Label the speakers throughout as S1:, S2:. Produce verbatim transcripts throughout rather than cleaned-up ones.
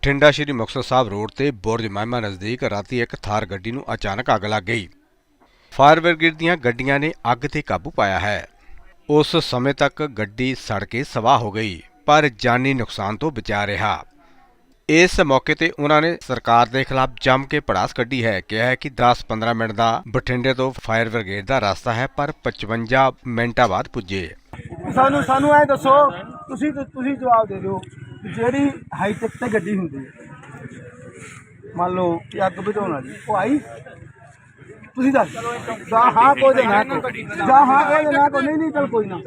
S1: Bathinda Shri Muktsar Sahib road ਤੇ ਬੁਰਜ ਮਹਿਮਾ ਨਜ਼ਦੀਕ ਰਾਤੀ ਇੱਕ ਥਾਰ ਗੱਡੀ ਨੂੰ ਅਚਾਨਕ ਅੱਗ ਲੱਗ ਗਈ। ਫਾਇਰ ਬ੍ਰਿਗੇਡ ਦੀਆਂ ਗੱਡੀਆਂ ਨੇ ਅੱਗ ਤੇ ਕਾਬੂ ਪਾਇਆ ਹੈ। ਉਸ ਸਮੇਂ ਤੱਕ ਗੱਡੀ ਸੜ ਕੇ ਸਵਾਹ ਹੋ ਗਈ, ਪਰ ਜਾਨੀ ਨੁਕਸਾਨ ਤੋਂ ਬਚਾ ਰਿਹਾ। ਇਸ ਮੌਕੇ ਤੇ ਉਹਨਾਂ ਨੇ ਸਰਕਾਰ ਦੇ ਖਿਲਾਫ ਜੰਮ ਕੇ ਭੜਾਸ ਕੱਢੀ ਹੈ। ਕਿਹਾ ਹੈ ਕਿ ਦਸ ਪੰਦਰਾਂ ਮਿੰਟ ਦਾ ਬਠਿੰਡੇ ਤੋਂ ਫਾਇਰ ਬ੍ਰਿਗੇਡ ਦਾ ਰਸਤਾ ਹੈ, ਪਰ ਪਚਵੰਜਾ ਮਿੰਟਾਂ ਬਾਅਦ ਪੁੱਜੇ।
S2: ਸਾਨੂੰ ਸਾਨੂੰ ਐ ਦੱਸੋ, ਤੁਸੀਂ ਤੁਸੀਂ ਜਵਾਬ ਦੇ ਦਿਓ, ਜਿਹੜੀ ਹਾਈਟੈਕ ਤੇ ਗੱਡੀ ਹੁੰਦੀ ਹੈ, ਮੰਨ ਲਓ ਕਿ ਅੱਗ ਬੁਝਾਉਣ ਵਾਲੀ, ਉਹ ਆਈ? ਤੁਸੀਂ ਦੱਸ ਜਾਂ ਹਾਂ ਕੋਈ ਦੇ ਨਾ ਕੋਈ ਜਾਂ ਹਾਂ ਕੋਈ ਦੇ ਨਾ ਕੋਈ ਨਹੀਂ ਨਹੀਂ ਚਲ ਕੋਈ ਨਾ।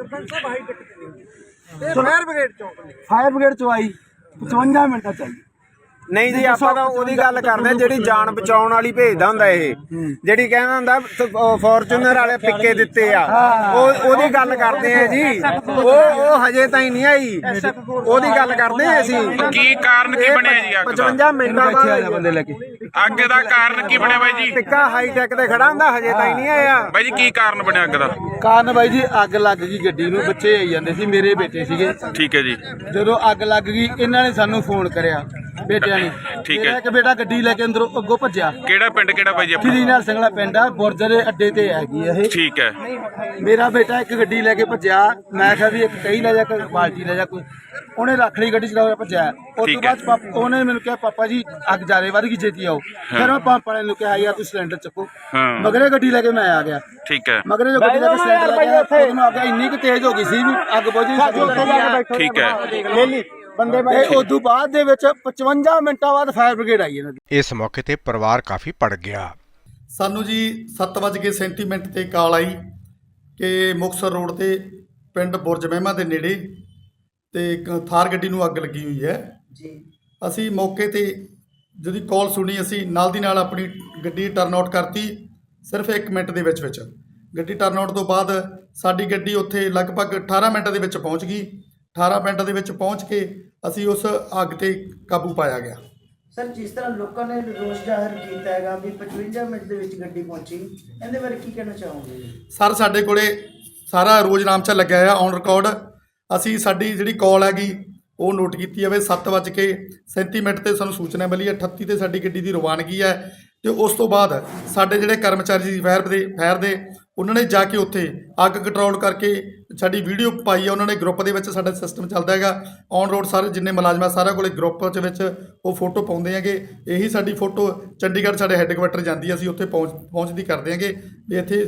S2: ਫਾਇਰ ਬ੍ਰਿਗੇਡ ਚੋਂ ਫਾਇਰ ਬ੍ਰਿਗੇਡ ਚੋਂ ਆਈ ਪਚਵੰਜਾ ਮਿੰਟਾਂ ਚਾਹੀਏ।
S3: ਨਹੀਂ ਜੀ, ਆਪਾਂ ਤਾਂ ਉਹਦੀ ਗੱਲ ਕਰਦੇ ਜਿਹੜੀ ਜਾਨ ਬਚਾਉਣ ਵਾਲੀ ਭੇਜਦਾ ਹੁੰਦਾ। ਇਹ ਜਿਹੜੀ ਕਹਿੰਦਾ ਹੁੰਦਾ ਫੋਰਚੂਨਰ ਵਾਲੇ ਫਿੱਕੇ ਦਿੱਤੇ ਆ, ਉਹ ਉਹਦੀ ਗੱਲ ਕਰਦੇ ਆ ਜੀ। ਉਹ ਉਹ ਹਜੇ ਤਾਈਂ ਨਹੀਂ ਆਈ, ਉਹਦੀ ਗੱਲ ਕਰਦੇ ਆ ਅਸੀਂ।
S4: ਕੀ ਕਾਰਨ ਕੀ ਬਣਿਆ ਜੀ ਅੱਗ ਦਾ?
S3: ਪਚਵੰਜਾ ਮਿੰਟਾਂ ਬਾਅਦ
S2: ਬੰਦੇ ਲੈ ਕੇ
S4: ਅੱਗ ਦਾ ਕਾਰਨ ਕੀ ਬਣਿਆ ਬਾਈ ਜੀ?
S3: ਟਿੱਕਾ ਹਾਈਟੈਕ ਤੇ ਖੜਾ ਹੁੰਦਾ, ਹਜੇ ਤਾਈਂ ਨਹੀਂ ਆਇਆ।
S4: ਬਾਈ ਜੀ ਕੀ ਕਾਰਨ ਬਣਿਆ ਅੱਗ ਦਾ?
S2: ਕਾਰਨ ਬਾਈ ਜੀ, ਅੱਗ ਲੱਗ ਗਈ ਗੱਡੀ ਨੂੰ, ਬੱਚੇ ਆਈ ਜਾਂਦੇ ਸੀ, ਮੇਰੇ ਬੇਟੇ ਸੀਗੇ।
S4: ਠੀਕ ਹੈ ਜੀ।
S2: ਜਦੋਂ ਅੱਗ ਲੱਗ ਗਈ ਇਹਨਾਂ ਨੇ ਸਾਨੂੰ ਫੋਨ ਕਰਿਆ, ਬੇਟਿਆਂ ਨੇ।
S4: ਠੀਕ
S2: ਮੇਰਾ
S4: ਹੈ।
S2: ਇੱਕ ਬੇਟਾ ਗੱਡੀ ਲੈ ਕੇ ਅੰਦਰੋਂ ਅੱਗੋਂ ਭੱਜਿਆ।
S4: ਕਿਹੜਾ ਪਿੰਡ ਕਿਹੜਾ ਬਾਈ ਜੀ ਆਪਣਾ?
S2: ਸ਼੍ਰੀ ਨਾਲ ਸੰਗਲਾ ਪਿੰਡ ਆ, ਬੁਰਜ ਦੇ ਅੱਡੇ ਤੇ ਹੈਗੀ ਇਹ।
S4: ਠੀਕ ਹੈ।
S2: ਮੇਰਾ ਬੇਟਾ ਇੱਕ ਗੱਡੀ ਲੈ ਕੇ ਭੱਜਿਆ। ਮੈਂ ਕਿਹਾ ਵੀ ਇੱਕ ਕਈ ਲੈ ਜਾ, ਕੋਈ ਬਾਲਟੀ ਲੈ ਜਾ, ਕੋਈ। ਉਹਨੇ ਰੱਖ ਲਈ ਗੱਡੀ, ਚਲਾ ਭੱਜਿਆ। ਉਸ ਤੋਂ
S4: ਠੀਕ ਹੈ।
S2: ਬਾਅਦ ਪਾਪ- ਉਹਨੇ ਮੈਨੂੰ ਕਿਹਾ, ਪਾਪਾ ਜੀ ਅੱਗ ਜ਼ਿਆਦਾ ਵੱਧ ਗਈ, ਛੇਤੀ ਆਓ। ਫਿਰ ਮੈਂ ਪੰਪ ਵਾਲੇ ਨੂੰ ਕਿਹਾ, ਯਾਰ ਤੁਸੀਂ ਸਿਲੰਡਰ ਚੱਕੋ।
S4: ਹਾਂ।
S2: ਮਗਰੇ ਗੱਡੀ ਲੈ ਕੇ ਮੈਂ ਆ ਗਿਆ।
S4: ਠੀਕ ਹੈ।
S2: ਮਗਰੇ ਜੋ ਗੱਡੀ ਲੈ ਕੇ ਸਿਲੰਡਰ ਲੈ ਗਿਆ, ਉਹਨੂੰ ਅੱਗ ਇੰਨੀ ਕੁ ਤੇਜ਼ ਹੋ ਗਈ ਸੀ ਵੀ ਅੱਗ ਬੁਝ ਨਹੀਂ ਸਕਦੀ।
S4: ਠੀਕ ਹੈ।
S2: ਬੰਦੇ ਤੇ ਉਦੋਂ ਬਾਅਦ ਦੇ ਵਿੱਚ ਪਚਵੰਜਾ ਮਿੰਟਾਂ ਬਾਅਦ ਫਾਇਰ ਬ੍ਰਿਗੇਡ ਆਈ ਇਹਨਾਂ ਦੀ।
S1: ਇਸ ਮੌਕੇ ਤੇ ਪਰਿਵਾਰ ਕਾਫੀ ਭੜ ਗਿਆ।
S5: ਸਾਨੂੰ ਜੀ ਸੱਤ ਵੱਜ ਕੇ ਸੈਂਤੀ ਮਿੰਟ ਤੇ ਕਾਲ ਆਈ ਕਿ ਮੁਕਤਸਰ ਰੋਡ ਤੇ ਪਿੰਡ ਬੁਰਜ ਮਹਿਮਾ ਦੇ ਨੇੜੇ ਤੇ ਇੱਕ ਥਾਰ ਗੱਡੀ ਨੂੰ ਅੱਗ ਲੱਗੀ ਹੋਈ ਹੈ ਜੀ। ਅਸੀਂ ਮੌਕੇ ਤੇ ਜਦੋਂ ਕਾਲ ਸੁਣੀ, ਅਸੀਂ ਨਾਲ ਦੀ ਨਾਲ ਆਪਣੀ ਗੱਡੀ ਟਰਨ ਆਊਟ ਕਰਤੀ। ਸਿਰਫ ਇੱਕ ਮਿੰਟ ਦੇ ਵਿੱਚ ਵਿੱਚ ਗੱਡੀ ਟਰਨ ਆਊਟ ਤੋਂ ਬਾਅਦ ਸਾਡੀ ਗੱਡੀ ਉੱਥੇ ਲਗਭਗ ਅਠਾਰਾਂ ਮਿੰਟਾਂ ਦੇ ਵਿੱਚ ਪਹੁੰਚ ਗਈ। ਅਠਾਰਾਂ ਮਿੰਟਾਂ ਦੇ ਵਿੱਚ ਪਹੁੰਚ ਕੇ ਅਸੀਂ ਉਸ ਅੱਗ ਤੇ ਕਾਬੂ ਪਾਇਆ ਗਿਆ।
S6: ਸਰ, ਜਿਸ ਤਰ੍ਹਾਂ ਲੋਕਾਂ ਨੇ ਰੋਸ ਜ਼ਾਹਰ ਕੀਤਾ ਹੈਗਾ ਵੀ ਪਚਵੰਜਾ ਮਿੰਟ ਦੇ ਵਿੱਚ ਗੱਡੀ ਪਹੁੰਚੀ, ਇਹਦੇ ਬਾਰੇ ਕੀ ਕਹਿਣਾ ਚਾਹੋਗੇ?
S5: ਸਰ, ਸਾਡੇ ਕੋਲੇ ਸਾਰਾ ਰੋਜ਼ਨਾਮਚਾ ਲੱਗਿਆ ਆ ਔਨ ਰਿਕਾਰਡ। ਅਸੀਂ ਸਾਡੀ ਜਿਹੜੀ ਕਾਲ ਹੈਗੀ ਉਹ ਨੋਟ ਕੀਤੀ ਜਾਵੇ। ਸੱਤ ਵੱਜ ਕੇ ਸੈਂਤੀ ਮਿੰਟ ਤੇ ਸਾਨੂੰ ਸੂਚਨਾ ਮਿਲੀ ਹੈ, ਅਠੱਤੀ ਤੇ ਸਾਡੀ ਗੱਡੀ ਦੀ ਰਵਾਨਗੀ ਹੈ। ਤੇ ਉਸ ਤੋਂ ਬਾਅਦ ਸਾਡੇ ਜਿਹੜੇ ਕਰਮਚਾਰੀ ਸੀ ਫਾਇਰ ਦੇ ਫਾਇਰ ਦੇ ਉਹਨਾਂ ਨੇ ਜਾ ਕੇ ਉੱਥੇ ਅੱਗ ਕੰਟਰੋਲ ਕਰਕੇ ਸਾਡੀ ਵੀਡੀਓ ਪਾਈ ਹੈ। ਉਹਨਾਂ ਨੇ ਗਰੁੱਪ ਦੇ ਵਿੱਚ ਸਾਡਾ ਸਿਸਟਮ ਚੱਲਦਾ ਹੈਗਾ ਔਨ ਰੋਡ, ਸਾਰੇ ਜਿੰਨੇ ਮੁਲਾਜ਼ਮ ਆ ਸਾਰਿਆਂ ਕੋਲੇ ਗਰੁੱਪ ਦੇ ਵਿੱਚ ਉਹ ਫੋਟੋ ਪਾਉਂਦੇ ਹੈਗੇ। ਇਹੀ ਸਾਡੀ ਫੋਟੋ ਚੰਡੀਗੜ੍ਹ ਸਾਡੇ ਹੈੱਡਕੁਆਟਰ ਜਾਂਦੀ ਹੈ, ਅਸੀਂ ਉੱਥੇ ਪਹੁੰਚ ਪਹੁੰਚਦੀ ਕਰਦੇ ਹੈਗੇ ਵੀ ਇੱਥੇ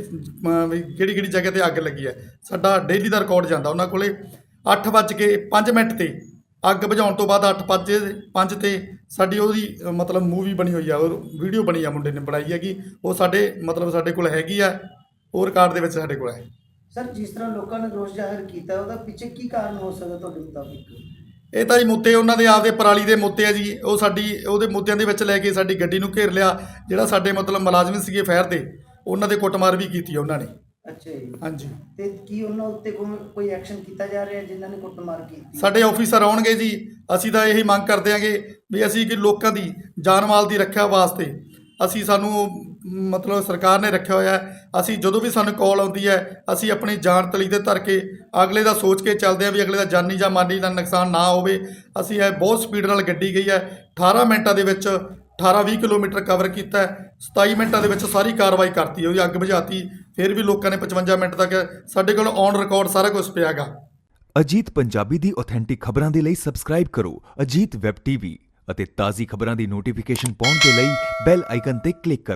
S5: ਕਿਹੜੀ ਕਿਹੜੀ ਜਗ੍ਹਾ ਤੇ ਅੱਗ ਲੱਗੀ ਹੈ। ਸਾਡਾ ਡੇਲੀ ਦਾ ਰਿਕਾਰਡ ਜਾਂਦਾ ਉਹਨਾਂ ਕੋਲੇ। ਅੱਠ ਵੱਜ ਕੇ ਪੰਜ ਮਿੰਟ ਤੇ ਅੱਗ ਬੁਝਾਉਣ ਤੋਂ ਬਾਅਦ ਅੱਠ ਪੰਜ ਪੰਜ ਤੇ ਸਾਡੀ ਉਹਦੀ ਮਤਲਬ ਮੂਵੀ ਬਣੀ ਹੋਈ ਆ, ਉਹ ਵੀਡੀਓ ਬਣੀ ਆ, ਮੁੰਡੇ ਨੇ ਬਣਾਈ ਹੈਗੀ। ਉਹ ਸਾਡੇ ਮਤਲਬ ਸਾਡੇ ਕੋਲ ਹੈਗੀ ਆ, ਉਹ ਰਿਕਾਰਡ ਦੇ ਵਿੱਚ ਸਾਡੇ ਕੋਲ ਹੈ।
S6: ਸਰ, ਜਿਸ ਤਰ੍ਹਾਂ ਲੋਕਾਂ ਨੇ ਰੋਸ ਜ਼ਾਹਰ ਕੀਤਾ, ਉਹਦਾ ਪਿੱਛੇ ਕੀ ਕਾਰਨ ਹੋ ਸਕਦਾ ਤੁਹਾਡੇ ਮੁਤਾਬਿਕ?
S5: ਇਹ ਤਾਂ ਜੀ ਮੁੱਦੇ ਉਹਨਾਂ ਦੇ ਆਪਦੇ ਪਰਾਲੀ ਦੇ ਮੁੱਦੇ ਆ ਜੀ। ਉਹ ਸਾਡੀ ਉਹਦੇ ਮੁੱਦਿਆਂ ਦੇ ਵਿੱਚ ਲੈ ਕੇ ਸਾਡੀ ਗੱਡੀ ਨੂੰ ਘੇਰ ਲਿਆ। ਜਿਹੜਾ ਸਾਡੇ ਮਤਲਬ ਮੁਲਾਜ਼ਮ ਸੀਗੇ ਫਾਇਰ ਦੇ, ਉਹਨਾਂ ਦੇ ਕੁੱਟਮਾਰ ਵੀ ਕੀਤੀ ਉਹਨਾਂ ਨੇ।
S6: ਅੱਛਾ ਜੀ।
S5: ਹਾਂਜੀ।
S6: ਤੇ ਕੀ ਉਹਨਾਂ ਉੱਤੇ ਕੋਈ ਐਕਸ਼ਨ ਕੀਤਾ ਜਾ ਰਿਹਾ ਜਿਨ੍ਹਾਂ ਨੇ ਕੁੱਟਮਾਰ ਕੀਤੀ?
S5: ਸਾਡੇ ਆਫੀਸਰ ਆਉਣਗੇ ਜੀ। ਅਸੀਂ ਤਾਂ ਇਹੀ ਮੰਗ ਕਰਦੇ ਹਾਂਗੇ ਵੀ ਅਸੀਂ ਕਿ ਲੋਕਾਂ ਦੀ ਜਾਨ ਮਾਲ ਦੀ ਰੱਖਿਆ ਵਾਸਤੇ ਅਸੀਂ ਸਾਨੂੰ ਮਤਲਬ ਸਰਕਾਰ ਨੇ ਰੱਖਿਆ ਹੋਇਆ। ਅਸੀਂ ਜਦੋਂ ਵੀ ਸਾਨੂੰ ਕਾਲ ਆਉਂਦੀ ਹੈ, ਅਸੀਂ ਆਪਣੀ ਜਾਨ ਤਲੀ 'ਤੇ ਧਰ ਕੇ ਅਗਲੇ ਦਾ ਸੋਚ ਕੇ ਚੱਲਦੇ ਹਾਂ ਵੀ ਅਗਲੇ ਦਾ ਜਾਨੀ ਜਾਂ ਮਾਲੀ ਦਾ ਨੁਕਸਾਨ ਨਾ ਹੋਵੇ। ਅਸੀਂ ਇਹ ਬਹੁਤ ਸਪੀਡ ਨਾਲ ਗੱਡੀ ਗਈ ਹੈ। ਅਠਾਰਾਂ ਮਿੰਟਾਂ ਦੇ ਵਿੱਚ ਅਠਾਰਾਂ ਵੀਹ ਕਿਲੋਮੀਟਰ ਕਵਰ ਕੀਤਾ। ਸਤਾਈ ਮਿੰਟਾਂ ਦੇ ਵਿੱਚ ਸਾਰੀ ਕਾਰਵਾਈ ਕਰਤੀ, ਉਹਦੀ ਅੱਗ ਬੁਝਾਤੀ। ਫਿਰ ਵੀ ਲੋਕਾਂ ਨੇ ਪਚਵੰਜਾ ਮਿੰਟ ਤੱਕ ਸਾਡੇ ਕੋਲ ਔਨ ਰਿਕਾਰਡ ਸਾਰਾ ਕੁਝ ਪਿਆ ਗਾ।
S7: ਅਜੀਤ ਪੰਜਾਬੀ ਦੀ ਆਥੈਂਟਿਕ ਖਬਰਾਂ ਦੇ ਲਈ ਸਬਸਕ੍ਰਾਈਬ ਕਰੋ ਅਜੀਤ ਵੈਬ ਟੀਵੀ ਅਤੇ ਤਾਜ਼ੀ ਖਬਰਾਂ ਦੀ ਨੋਟੀਫਿਕੇਸ਼ਨ ਪਾਉਣ ਦੇ ਲਈ ਬੈਲ ਆਈਕਨ ਤੇ ਕਲਿੱਕ ਕਰੋ।